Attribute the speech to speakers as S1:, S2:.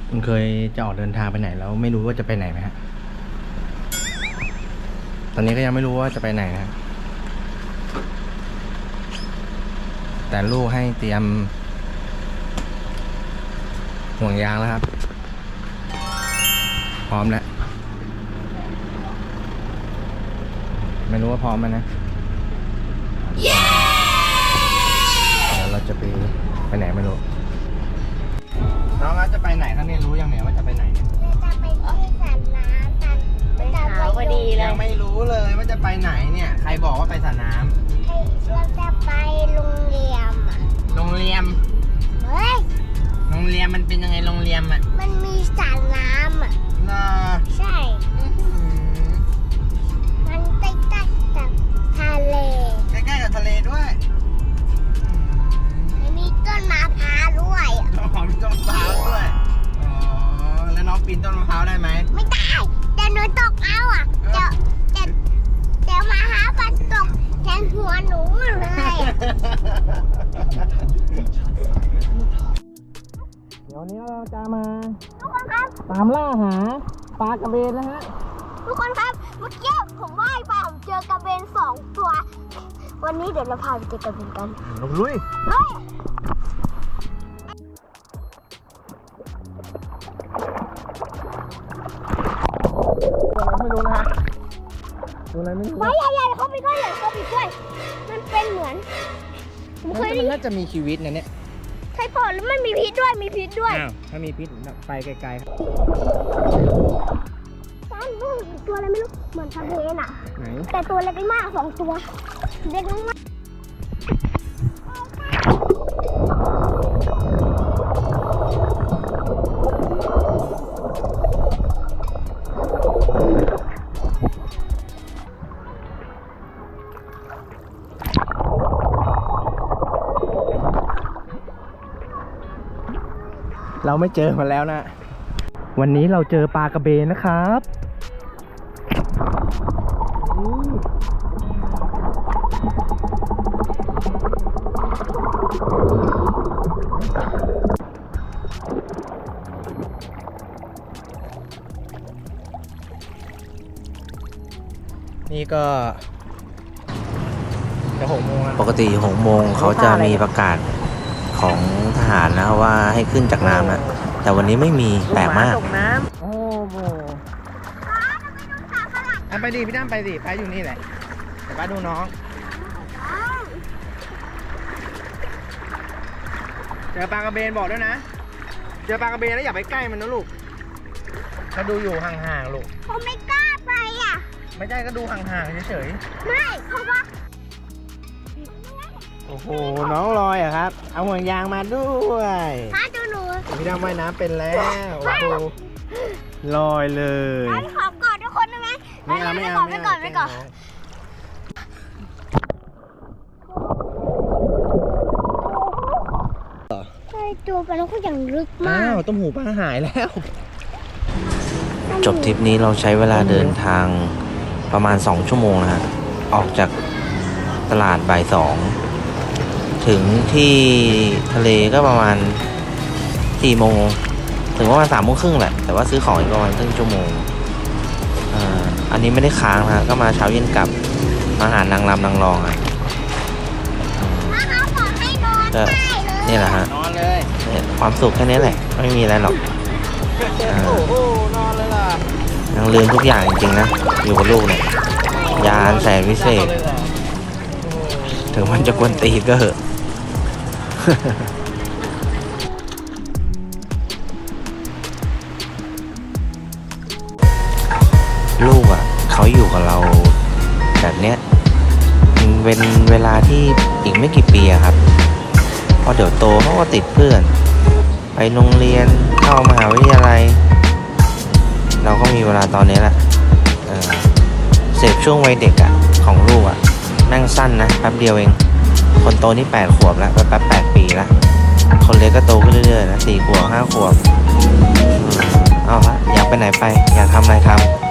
S1: คุณเคยจะออกเดินทางไปไหนแล้วไม่รู้ว่าจะไปไหนไหมฮะตอนนี้ก็ยังไม่รู้ว่าจะไปไหนนะแต่ลูกให้เตรียมห่วงยางแล้วครับพร้อมแล้วไม่รู้ว่าพร้อมไหมนะเดี๋ยวเราจะไปไหนไม่รู้น้องจะไปไหนครับเนี่ยรู้ยังเนี่ยว่าจะไปไหน
S2: จะไปที่สระน้ำกันไปหาพอดีเลย
S1: ยังไม่รู้เลยว่าจะไปไหนเนี่ยใครบอกว่าไปสระน้ำ
S2: เราจะไปโรงเรียน
S1: โรงเรียน
S2: เฮ้ย
S1: โรงเรียนมันเป็นยังไงโรงเรียนอ่ะ
S2: มันมีสระน้ำอ่ะใช่มันใกล้ๆกับทะเล
S1: ใกล้ๆกับทะเลด้วย
S2: มีต้นมะพร้าวด้วย
S1: มีต้นมะพร้าวด้วยอ๋อแล้วน้องปีนต้นมะพร้าวได้ไหม
S2: ไม่ได้แต่หนูตกเอาอ่ะเดี๋ยวมะพร้าวมันตกแทนหัวหนูเลย
S1: เดี๋ยวนี้เราจะมา
S2: ทุกคนครับ
S1: ตามล่าหาปลากระเบนนะฮะ
S2: ทุกคนครับเมื่อกี้ผมว่ายไปผมเจอกระเบน2 ตัววันนี้เดี๋ยวเราพาไปเจอกระเบนกัน
S1: ลุยไม่รู้นะฮะตัวอะไรไม่รู้
S2: ไม่ใหญ่ๆเข้าไปด้วยมันเป็นเหมือน
S1: ผมเคยมันน่าจะมีชีวิตนะเนี่ย
S2: ใช่ป่ะแล้วมันมีพิษด้วย
S1: ถ้ามีพิษไปไกลๆครับ
S2: ซ้ำนู่นตัวอะไรไม่รู้เหมือนทะเลน่ะ
S1: ไหน
S2: แต่ตัวเล็กมาก2 ตัวเล็กมาก
S1: เราไม่เจอมาแล้วนะวันนี้เราเจอปลากระเบนนะครับนี่ก็จะ6 โมง
S3: ปกติ6 โมงเขาจะมีประกาศของทหารนะว่าให้ขึ้นจากน้ำนะแต่วันนี้ไม่มีแปลกมาก
S1: ตกน้ำโอ้โหไปดิพี่ตั้มไปดิไปอยู่นี่แหละเดี๋ยวป้าดูน้องเจอปลากระเบนบอกด้วยนะเจอปลากระเบนแล้วอย่าไปใกล้มันนะลูกก็ดูอยู่ห่างๆลูก
S2: ผมไม่กล้าไปอ่ะ
S1: ไม่ใช่ก็ดูห่างๆเฉย
S2: ๆไม่เพราะว่า
S1: โอ้โหน้องลอยอะครับเอาห่วงยางมาด้วย
S2: พ่อดูหนู
S1: พี่ดำว่ายน้ำเป็นแล้วโอ้โหลอยเลย
S2: ขอกอดทุกคนได้ไหมไม่ก่อนใช่ตัวกันแล้วก็อย่างลึกมาก
S1: ต้มหูปลาหายแล้ว
S3: จบทริปนี้เราใช้เวลาเดินทางประมาณ2 ชั่วโมงนะฮะออกจากตลาดบ่าย 2ถึงที่ทะเลก็ประมาณ4 โมงถึงประมาณ3 โมงครึ่งแหละแต่ว่าซื้อของอีกประมาณครึ่งชั่วโมงอันนี้ไม่ได้ค้างนะก็มาเช้าเย็นกลับมาหานางรำนางรองอ่ะก็นี่แหละฮะความสุขแค่นี้แหละไม่มีอะไรหรอก
S1: นอนเลยล่ะ
S3: ยังลืมทุกอย่างจริงๆนะอยู่กับลูกเนี่ยยานแสนวิเศษถึงมันจะกวนตีก็เหอะลูกอ่ะเขาอยู่กับเราแบบเนี้ยเป็นเวลาที่อีกไม่กี่ปีอะครับเพราะเดี๋ยวโตเขาก็ติดเพื่อนไปโรงเรียนเข้ามหาวิทยาลัยเราก็มีเวลาตอนนี้แหละเสพช่วงวัยเด็กอ่ะของลูกอ่ะแม่งสั้นนะแป๊บเดียวเองคนโตนี่8 ขวบแล้วแป๊บ8 ปีแล้วคนเล็กก็โตขึ้นเรื่อยๆนะ4 ขวบ 5 ขวบเอาฮะอยากไปไหนไปอยากทำอะไรทำ